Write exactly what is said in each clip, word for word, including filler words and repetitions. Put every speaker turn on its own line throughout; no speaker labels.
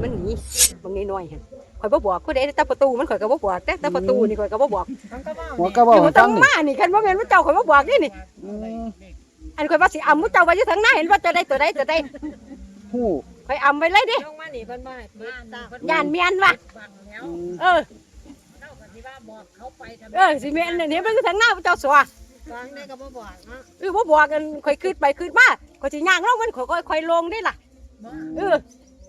มันหนีบางน้อยๆหั่นข่อยบ่บอกผู้ใดแต่ประตูมันข่อยก็บ่บอกแต่แต่ประตูนี่ข่อยก็บ่บอก
หัวก็บ่
อยู่
ตั้
ตั้
ง
ง
นี่
มานี่คันบ่แม่นว่าเจ้าข่อยบ่บอกนี่นี่
อืม
อันข่อยว่าสิอำมุเจ้าไว้อยู่ทางหน้าเห็นว่าจะได้ตัวใดตัวใด
ฮู้
ข่อยอำไว้เลยดิ
ลงมานี่เพิ่นบ่ให้เปิดตาเพิ่น
ย่านเมียนว่ะ
บังแล้ว
อืม
เออ
เจ้าก็สิว่าบอกเขาไปทำไม
เออสิแม่นนี่เห็นมันอยู่ทางหน้าเจ้าสัว
ฟังได้ก็บ่บอกเนาะ
เออบ่บอกกันข่อยคืดไปคืดมาข่อยสิย่างลงมันข่อยค่อยๆลงได้ล่ะ
บ่
เออ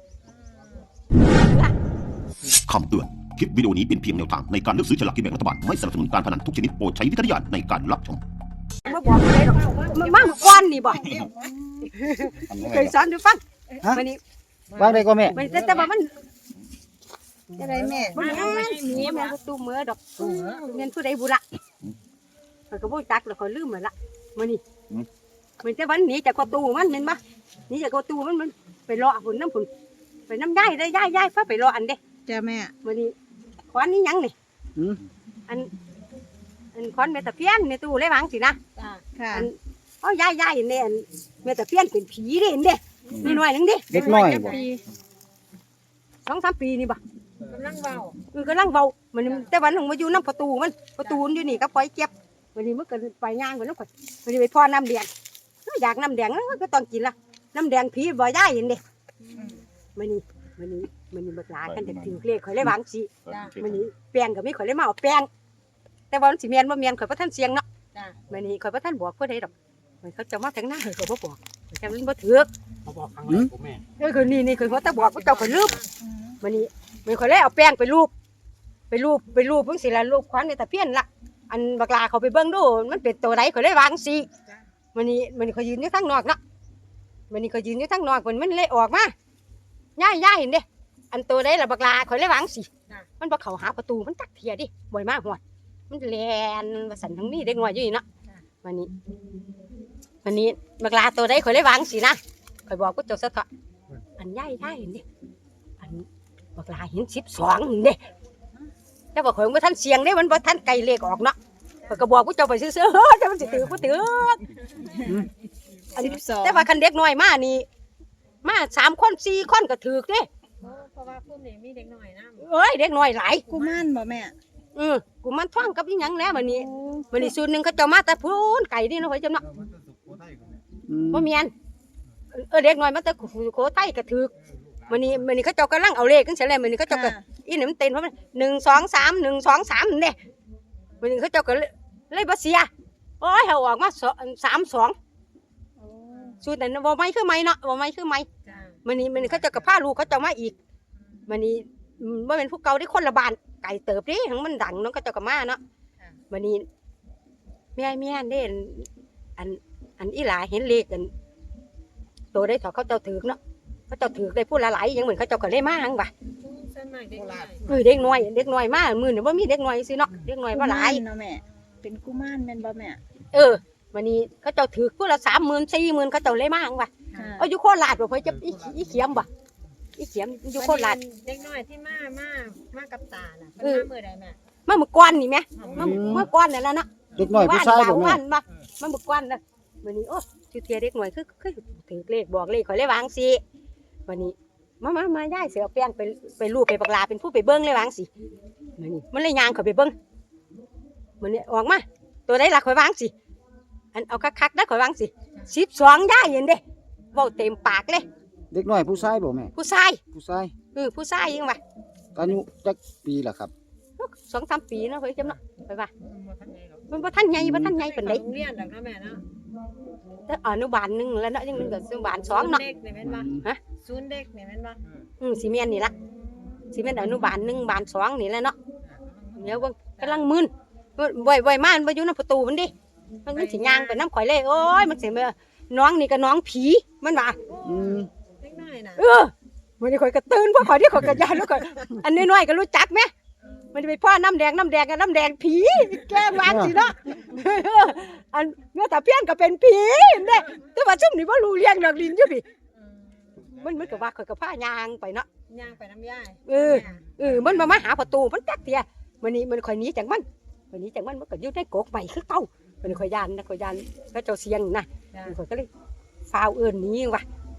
นั่นล่ะ
คำเตือน คลิปวิดีโอนี้เป็นเพียงแนวทางในการเลือกซื้อฉลากกินแบ่งรัฐบาล ไม่สนับสนุนการพนันทุกชนิดโปรดใช้วิจารณญาณในการรับชม
บ่บอกผู้ใดดอกมันมาเมื่อก่อนนี่บ่เคยสอนอยู่ฟัง
ฮะ
วันนี้
วางได้ก็แม่
มันแต่แต่ว่ามัน
จะได้แม่
มันแม่นหนีแม่นประตูมือดอกเงินผู้ใดบุละข่อยก็บ่จักแล้วข่อยลืมแล้วล่ะมื้อนี้มันแต่วันหนีจากประตูมันเห็นบ่หนีจากประตูมันมันไปรอพุ่นน้ำพุ่นไปน้ำยายได้ยายยายพาไปรออันเด้
จ้าแม่
มื้อนี้ขวานนี่หยังนี่
อืม
อันอันขวานแม่ตะเพียนในตู้เลยวางสินะ
จ้าค่ะ
อันเอ้ายายยายเนี่ยอันแม่ตะเพียนเป็นผีเด้เห็นเด้นี่หน่อยหนึงเด้
เด็กน้อยบ่
สองสามปีนี่บ่
กำลังเว้า
เออกำลังเว้ามันแต่วันหนึงมาอยู่น้ำประตูมันประตูมันอยู่นี่ก็ปล่อยเจ็บวันนี้มันก็ไปย่างไปน้ำข่อยวันนี้ไปพ่อน้ำแดงอยากน้ำแดงก็ต้องกินละน้ำแดงผีบ่ได้เห็นเด้มันนี่มันนี่มันนี่บักหลากันจะถือเลขข่อยเลยวางสิ
จ้า
มันนี่แป้งก็มีข่อยเลยมาเอาแป้งแต่ว่ามันสิแม่นบ่แม่นข่อยบ่ทันเสียงเนาะ
จ้า
มันนี่ข่อยบ่ทันบอกผู้ใดดอกมันเขาจะมาถึงหน้าข่อยก็บ่บอกข่อยจำมันบ่ถูก
เขาบอกครั้งแรกผมแม่
เออคือนี่นี่ข่อยบ่ตะบอกว่าเจ้าข่อยลืมมันนี่มันข่อยเลยเอาแป้งไปรูปไปรูปไปรูปเพิ่นสิละรูปขวัญในตะเพียนละอันบักลาเขาไปเบิ่งดูมันเป็นตัวใดข่อยเลยวางสิมันนี่มันนี่ข่อยยืนอยู่ทางนอกเนาะมันนี่ข่อยยืนอยู่ทางนอกมันมันเลยออกมาย่ายๆเห็นเด้อันตัวใดล่ะบักลาข่อยเลยวางสิมันบ่เข้าหาประตูมันตักเทียดิบ่อยมาฮอดมันแล่นว่าสั่นทั้งนี้เด็กน้อยอยู่นี่เนาะมันนี่มันนี่บักลาตัวใดข่อยเลยวางสินะข่อยบอกกูเจ้าซะเถอะอันย่ายๆเห็นเด้อันบักลาเห็นสิบสองเห็นเด้แต่ว่าข่อยบ่ทันเสียงเด้มันบ่ทันไกลเลขออกเนาะข่อยก็บอกกูเจ้าไปซื่อๆเฮ้ยแต่มันสิถือบ่ถืออันนี้แต่ว่าคันเด็กน้อยมานี่มาสามคนสี่คนก็ถือเด้
เพราะว่าพวกนี้มีเด็กน้อยนำ
เอ้ยเด็กน้อยหลาย
กุมารบ่แม่
อือกูมันท่องกับอีหยังแล้วมื้อนี้มื้อนี้สูตรหนึงเขาเจ้ามาแต่พูนไก่นี่เนาะข่อยจำเนาะ
อืม
บ่แม่นเออเด็กน้อยมาแต่สุโขทัยก็ถือมื้อนี้มื้อนี้เขาเจ้ากำลังเอาเลขจังซี่แหละมื้อนี้เขาเจ้าก็อีนี่มันเต้นเพราะมันหนึ่ง สอง สาม หนึ่ง สอง สามนั่นเด้มื้อนี้เขาเจ้าก็เลยเลยบ่เสียโอ้ยเฮาออกมาสาม สองสูตรนั้นบ่ไม่คือไม่เนาะบ่ไม่คือไม่
จ้า
มื้อนี้มื้อนี้เขาเจ้าก็พาลูกเขาเจ้ามาอีกมื้อนี้บ่แม่นผู้เก่าได้คนละบ้านไก่เติบเด้หังมันดังเนาะเขาเจ้าก็มาเนาะมื้อนี้แม่แม่เด้อันอันอีหลาเห็นเลขกันโตได้เถาเขาเจ้าถือเนาะเขาเจ้าถือได้ผู้ละหลายอย่างเหมือนเขาเจ้าก็เลยมาหังว่ะ
ส่วนมากเด็กน้อย
เออเด็กน้อยเด็กน้อยมามื้อนี้บ่มีเด็กน้อยซื่อเนาะเด็กน้อยบ่หลาย
เนาะแม่เป็นกุมารแม่นบ่แม่
เออมื้อนี้เขาเจ้าถือผู้ละสามหมื่น สี่หมื่นเขาเจ้าเลยมาหังว่ะ
ค่ะ
เอาอยู่โคราชบ่เพิ่นจะอีอีเขียมบ่อีเขียมอยู่โคราช
เด็กน้อยที่มามามากับตาน่ะ
เอ
เพิ่น
อ
มามื้อใดแม่
มาเมื่อก่อนนี่แหมมาเมื่อก่อนนั่นแหละเนาะ
เด็กน้อยผู้ชายบ่แม่
ว่านบ่มาเมื่อก่อนน่ะมื้อนี้โอ้ชื่อเทียเด็กน้อยคือคือถือเลขบอกเลขข่อยเลยวางสิมื้อนี้มามามาย้ายเสือเอาแป้งไปไปรูปไปบักลาเป็นผู้ไปเบิ่งเลยวางสิมื้อนี้มันเลยย่างเข้าไปเบิ่งมื้อนี้ออกมาตัวใดล่ะข่อยวางสิอันเอาคักๆนะข่อยวางสิสิบสองย้ายเห็นเด้เว้าเต็มปากเลย
เด็กน้อยผู้ชายบ่แม่
ผู้ชาย
ผู้ชาย
เออผู้ชายยังว่า
อายุจักปีล่ะครับ
สองสามปีเนาะเฮ้ยจำเนาะไปว่ามันบ่ทันใหญ่บ่ทันใหญ่ปานใด
โรงเรียนดอกนะแม่เนาะ
แต่อนุบาลหนึงแล้วเนาะยังนึงก็อนุบาลสองเนาะ
เด็กนี่แม่นบ่
ฮะ
ศูนย์เด็กนี่แม่นบ่
อืมสิแม่นนี่ล่ะสิแม่นอนุบาลหนึ่งบาลสองนี่แหละเนาะเดี๋ยวเบิ่งกำลังมึนบ่อยบ่อยๆมามันบ่อยู่นำประตูมันดิมันมันสิย่างไปน้ำข่อยเลยโอ้ยมันสิมาน้องนี่ก็น้องผีมันว่า
อืม
เด็กน้อยน่ะ
เออมันนี่ข่อยก็ตื่นเพราะข่อยที่ข่อยก็ยานแล้วข่อยอันน้อยๆก็รู้จักไหมมันจะไปพ่อน้ำแดงน้ำแดงกับน้ำแดงผีแกล้งวางสิเนาะ อันเมื่อตาเพี้ยนก็เป็นผีเด้แต่ว่าซุ่มนี่บ่รู้เลี้ยงดอกดินอยู่พี่มันมันก็ว่าข่อยก็พายางไปเนาะ
ย่างไปน้ำยาย
เออ เออมันมามาหาประตูมันจักเตียมันนี่มันข่อยหนีจากมันมันหนีจากมันมันก็อยู่ในกกใหม่คือเก่ามันข่อยยานนะข่อยยานก็เจ้าเสียงนะ
จ้า
มันข่อยก็เลยฟ้าวเอิ้นหนีว่ะ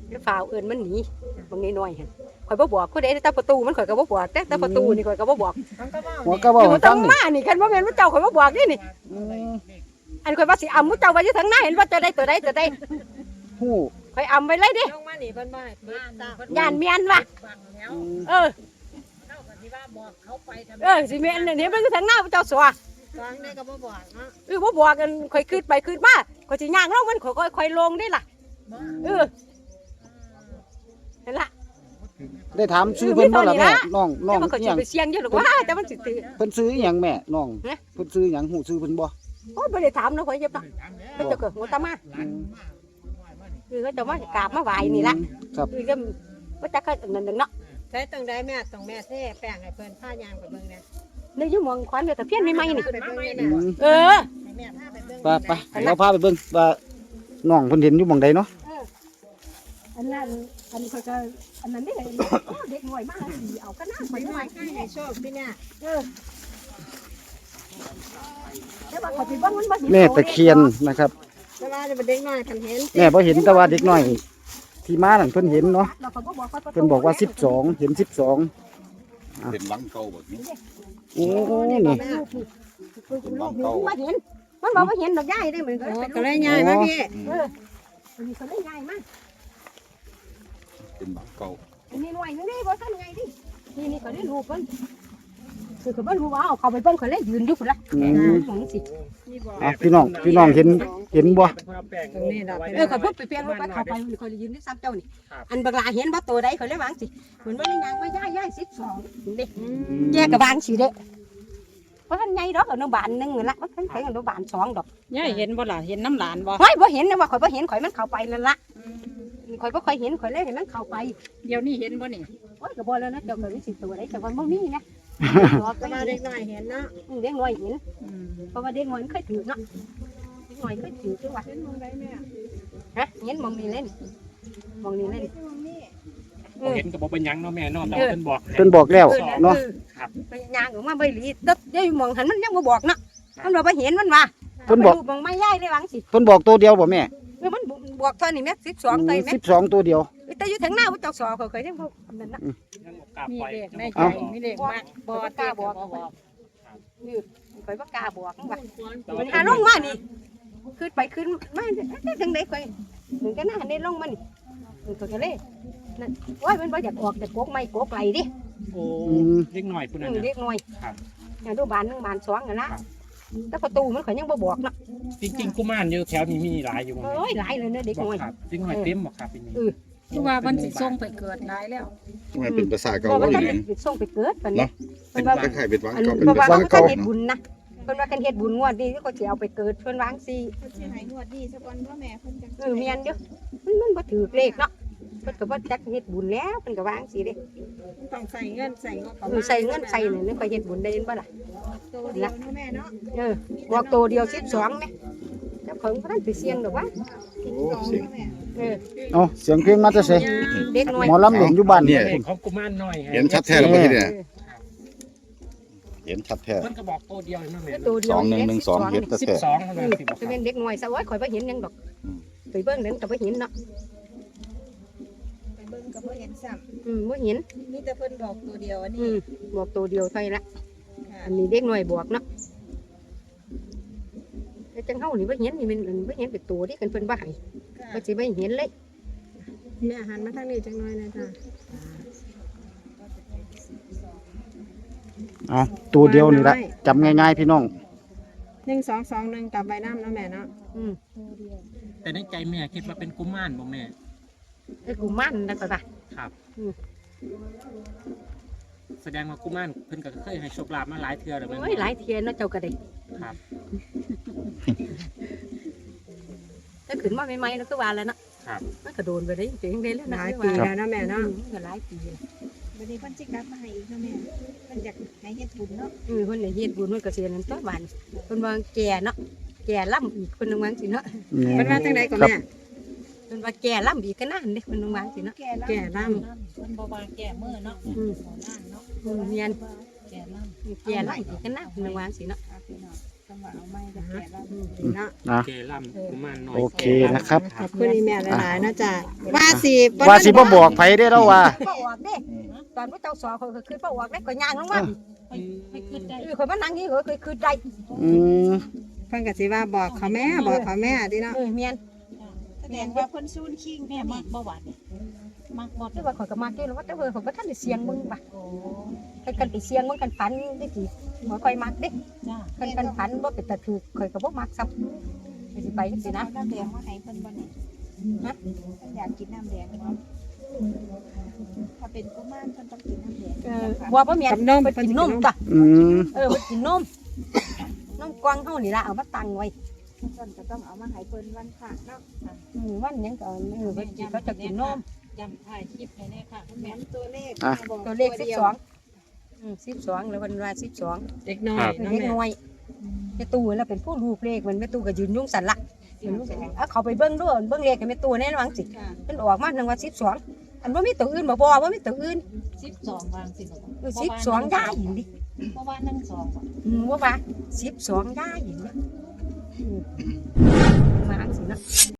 แล้วฝ่าวเอิ้นมันหนีบางน้อยๆหั่นข่อยบ่บอกผู้ใดแต่ประตูมันข่อยก็บ่บอกแต่แต่ประตูนี่ข่อยก็บ่บอก
มันก็เว้า
หัว
นี่
ก็เว้า
อยู่
ให้
ตร
ฟัง
ง
นี่
มานี่คันบ่แม่นว่าเจ้าข่อยบ่บอกนี่นี่
อืม
อันข่อยว่าสิอำผู้เจ้าไว้อยู่ทางหน้าเห็นว่าจะได้ตัวใดตัวใด
ฮู้
ข่อยอำไว้เลยเด้
ลงมานี่เพิ่นบ่ให้ปิดตา
ย่านเมียนว่ะ
อืม
เออเออสิเมียนนี่มันอยู่ทางหน้าผู้เจ้าสัว
วางได้ก็บ่บอกเนาะ
เออบ่บอกกันข่อยขึ้นไปขึ้นมาข่อยสิย่างลงมันข่อยค่อยค่อยลงได้ล่ะเออนั่นล่ะ
ได้ถามชื่อเพิ่นบ่ล่ะแม่น้องน้
แต่
อง
มันก็
อิ
สิ
หยัง
ไปเสี่ยงอยู่หรอกว่าแต่มันสิตื่น
เพิ่นซื้ออิหยังแม่น้อง
ฮะ
เพิ่นซื้ออิหยังฮู้ชื่อเพิ่นบ่
โอ้ยบ่ได้ถามเนาะข่อยเจ็บเนาะเพิ่นจะเกิดหัวตามา
อืม
คือเขาจะมากราบมาไหว้นี่ล่ะ
ครับ
คือก็บ่จักก็นั่นนึงเนาะ
ใช้ตรงใดแม่ตรงแม่เท่แป้งให้เพิ่นผ้ายางไปเบิ่งแน่
ในอยู่หมองขวัญเดี๋ยวตะเพียนใหม่ๆนี่
ไปเบิ่ง
อื
แน่
ม
เออ
ให้แม่พาไปเบิ่ง
ไปไปเราพาไปเบิ่งว่าน้องเพิ่นเห็นอยู่หม่องใดเนาะ
อันนั้นอันนี้เขาจะอันนั้นนี่โอ้เด็กหน่อยมากสิเอาก็น่า
ไป
ไปห
ห
น่
น่
อ
อย ยให้โชคพี่เนี่ย
เออแต่ว่าเขาสิบ่มันบ่สิ
แม่ตะเคียนนะครับ
แต่ว่าจะเป็นเด็กน้อยคันเห็น
แม่บ่เห็นแต่ว่าเด็กน้อยที่มานั่นเพิ่นเห็นเนาะ
เราก็บ่บอกว่า
เพิ่นบอกว่าสิบสองเห็นสิบสอง
เป็นหลังเก่าแบบนี้
โอ้นี่
แม่
เป็นหลังเก่า
ว่าเห็นมันบอกว่าเห็นดอกใหญ่ได้เหมือนกัน
โอ้
เป็น
ก็เลยง่ายมาพี่
เอออันนี้ก็เลยใหญ่มาก
เป็นหลังเก่า
อันนี้หน่วยนึงนี่บ่ทันใหญ่ดินี่นี่ก็ได้รูปเพิ่นคือก็บ่รู้ว่าเอาเข้าไปเบิ่งก็เลยยืนอยู่พุ่นละ
อืม
ของสิ
อ่ะพี่น้องพี่น้องเห็นเห็นบ่
ตรงนี้ดอก
เออเขาพูดไปเปลี่ยนรถไปเข้าไปมันก็ยืนที่ซ้ำเจ้านี่อันบักลาเห็นบ่ตัวใดเขาเลยวางสิเหมือนว่าในยางว่าย่ายย่ายสิบสองเด้แยกกับวางสิเด้เพราะท่านใหญ่ดอกอนุบาลหนึงนั่นละว่าท่านใส่อนุบาลสองดอก
ยายเห็นบ่ล่ะเห็นน้ำหลานบ่
เฮ้ยบ่เห็นนะว่าข่อยบ่เห็นข่อยมันเข้าไปนั่นละข่อยบ่ค่อยเห็นข่อยเลยเห็นมันเข้าไป
เดี๋ยวนี้เห็นบ่นี่
โอ้ยก็บ่แล้วนะเจ้าก็รู้สิตัวใดแต่ว่าบ่มีนะ
แต่ว่าเด็กน้อยเห็นเนาะ
เด็กน้อยเห็น
อืม
เพราะว่าเด็กน้อยมันเคยถือเนาะเด็กน้อยเคยถือจังหวะ
เห็นมองได้แม่
ฮะเห็นมองนี่เล่นมองนี่เล่นเออ
เห็นกับบอกเป็นหยังเนาะแม่เนาะแต่
เออ
เพิ่นบอก
เพิ่นบอกแล้ว
เออ
เนาะ
ครับ
ไปย่างออกมาใบหลีตึ๊บได้มองหันมันยังบ่บอกเนาะมันบ่เห็นมันว่า
เพิ่นบอก
ไปรูปมองไม่ย่ายได้วังสิ
เพิ่นบอกตัวเดียวบ่แม่
เออมันบอกเท่านี้แม่สิบสองตัวแม่
สิบสองตัวเดียว
แต่อยู่ทางหน้าว่าเจ้าสอเขาเคยยังบ่นั่นนะ
ยังบอกกล้า
มี
ปล่อย
เลขในใจ
เอ้า
มีเลขมากบ่
บ่กล้าบอก
บ่บอก
นี่ข่อยบ่กล้าบอกว่า
แต่
มั
ว่าน
หาลงมานี่ขึ้นไปขึ้นมาจังได๋ข่อยถึงกันหน้าได้ลงมานี่มันก็เลยนั่นโอ้ยมันบ่อยากออกแต่โกกไม่โกกไหลดิ
โอ้เล็กหน่อยพุ่น
อื
น่ะ
ม
นะ
เด็กน้อย
ครับ
อย่างดูบานหนึงบานสองนั่นละแต่ประตูมันข่อยยังบ่บอกเนาะ
จริงๆกุมารอยู่แถวนี้มีหลายอยู่บ่
โอ้ยหลายเลยเด้อเด็ก
บอก
น้อย
ครับเด็กหน่อยเต็มบ่ครับปีนี้
คือว่ามันสิส่งไปเกิดหลายแล้ว
มันเป็นภาษาเก่า
เพราะว่า
ก็อ
ท่าน
ย่างนี้
ส่งไปเกิดปานนี้
เนาะ
เพิ่
เป็น
นว่า
คล้ายๆเป็นวัง
อัน
เก่าเป็น
เพราะว่า
ภาษา
เขา
เก่า
เฮ็ด
เนาะ
บุญนะเพิ่นว่ากันเฮ็ดบุญงวดนี้เขาสิเอาไปเกิดเพิ่นวางสิ
เพิ่นสิให้งวดดีสักวันพ่อแม่เพิ่นจัง
เออแม่นเด้อมันมันบ่ถือเลขเนาะเพิ่นก็บ่จักเฮ็ดบุญแล้วเพิ่นก็วางสิเด้
ต้องใส่เงินใส่งบประ
เอ
มา
อ
ณ
ใส่เงินใส่นี่นึกว่าเฮ็ดบุญได้เห็นบ่ล่ะ
ตัวเดียวเนาะแม่เนาะ
เออบอกตัวเดียวสิบสองแม่เจ้าของบ่ทันไปเสี่ยงดอกว่า
โอ้เสียง
เออ
เอาเสียงเพลงมาจะเส
เด็กน้อย
หมอลำเล่นอยู่บ้าน
เนี่ย
เลขของกุมารน้อย
เห็นชัดแท้แล้วบ่ที่เนี่ยเห็นชัดแท้
เพิ่นก็บอกตัวเดียวเนาะแม่
ตัวเดียว
สองหนึ่งหนึ่งสองเห็นชัด
สิบ
แท้
สองเท่านั้นสิบอกค
จะ
รับ
เป็นเด็กน้อยซะโอ้ยข่อยบ่เห็นหยังดอกไปเบิ่งนั้นก็บ่เห็นเนาะ
ไปเบิ่งก็บ่เห็นซ้
อืมบ่เห็น
ำมีแต่เพิ่นบอกตัวเดียวอัน
อื
นี้
มบอกตัวเดียวเท่านั้นละ
ค่ะ
อันนี้เด็กน้อยบอกเนาะแต่จังเฮานี่บ่เห็นนี่มันมันบ่เห็นเป็นตัวที่กันเพิ่นบ่ให้บ่สิบ่เห็นเลย
แม่หันมาทางนี้จังหน่อยนะจ้ะ
เอาตัวเดียวนี่ละจำง่ายๆพี่น้อง
หนึ่งสองสองหนึ่งกลับใบน้ำเนาะแม่เนาะ
อืม
แต่ในใจแม่คิดว่าเป็นกุมารบ่แม่
ไอ้กูมันนั่นก็ได้
ครับ
อืม
แสดงว่ากุมารเพิ่นก็เคยให้โชคลาภมาหลายเทื่อแล้วแม่น
โอ้ยหลายเทียนเนาะเจ้าก็ได้
ครับ
ถ้าขึ้นมาใหม่ๆแล้วก็ว่าแล้วเนาะ
ครับ
มันก็โดนไปได้จริงๆได้แล้ว
ห
นะ
ลายปีแล้วเนาะแม่
เนาะ
เนาะ
มันก็หลายปีแล้ว
วันนี้เพิ่นสิกลับมาให้อีกเนาะแม่เพิ่นอยากให้เฮ็ดบุญเนาะ
อือเพิ่นได้เฮ็ดบุญเพิ่นก็เสียนั่นตัวบ้านเพิ่นว่าแก่เนาะแก่ล่ำอีกเพิ่นนึงวาจังสิเนาะ
เพิ่นว่าจังได๋ก็แม่
เพิ่นว่าแก่ล่ำอีกก็นั่นเด้เพิ่นนึงวาจังสิเนาะ
แก่ล่ำ
เพิ่นบ่ว่าแก้มือเนาะ
อืม
บ่นั่นเนาะ
อืมเมียน
แก้ล่ำ
แก่ล่ำอีกก็นั่นเพิ่นนึงวาจังสิเนาะ
ครับพี่น้องสำหรับ
ว่าเอาไม้จะแก่แล้ว
เนาะ
นะ
แกล่ำกุมารน้อย
โอเคนะครับ
ขอบคุณอีแม่หลายๆเนาะจ้ะว่าสิ
ว่าสิบ่บอกไผได้แล้วว่า
บ่ออกเด้ตอนพระเจ้าสอเขาก็คือบ่ออกได้ก็ย่างลงมา
ไปไปขึ้นได้
เออคนมานั่งนี่เขาเคยคือได้
อืม
เพิ่นก็สิว่าบอกเขาแม่บอกเขาแม่ดิเนาะ
เออเมียน
แสดงว่าเพิ่นซูนคิง
แม่มักบ่หวานนี่มักบ่
ที่ว่าข่อยก็มาเกี่ยวแล้วว่าแต่เพิ่นข่อยบ่ทันได้เสียงมึงป่ะให้กันไปเสียงมึงกันฝันได้กี่บ่ค่อยมักเด้
จ้า
กันกันฝันบ่เป็นตาถูกข่อยก็บ่มักซ้ำสิไปจังซี่นะ
น้ำแดงมาให้เพิ่นบ่นี่ฮะเพิ่นอยากกินน้ำแดงเนาะถ้าเป็นกุมารเพิ่นต้องกินน้ำแดง
เออว่าบ่แม่นเพิ่นกินนมจ้ะ
อืม
เออเพิ่นกินนมนมกวางเฮานี่ล่ะเอามาตั้งไว้
เพิ่นก็ต้องเอามาให้เพิ่นวันพระเนาะ
อืมวันหยังก็เออเพิ่นสิเขาจะกินนม
ย้ำถ่ายคลิปให้แน่ค่ะคุณ
แม่
แม่
นตัวเลข
ตัวเลขสิบสองอืมสิบสองแล้วเพิ่นว่าสิบสอง
เด็กน้อย
เด็กน้อยแม่ตู้แล้วเป็นผู้ลูกเลขมันแม่ตู้ก็ยืนยุ่งสั่นละยืนยุ่งสั่นเอาเขาไปเบิ่งด้วยเบิ่งเลขกับแม่ตู้แน่นอนสิ
ค่ะ
มันออกมาหนึ่งว่าสิบสองอันว่ามีตัวอื่นบ่บ่ว่ามีตัวอื่น
สิบสองวางสิบ่
เออสิบสองได้อีกดิ
เพราะว่านั่งสองบ่
อืมว่าว่าสิบสองได้อีกดิอืมมาสินะ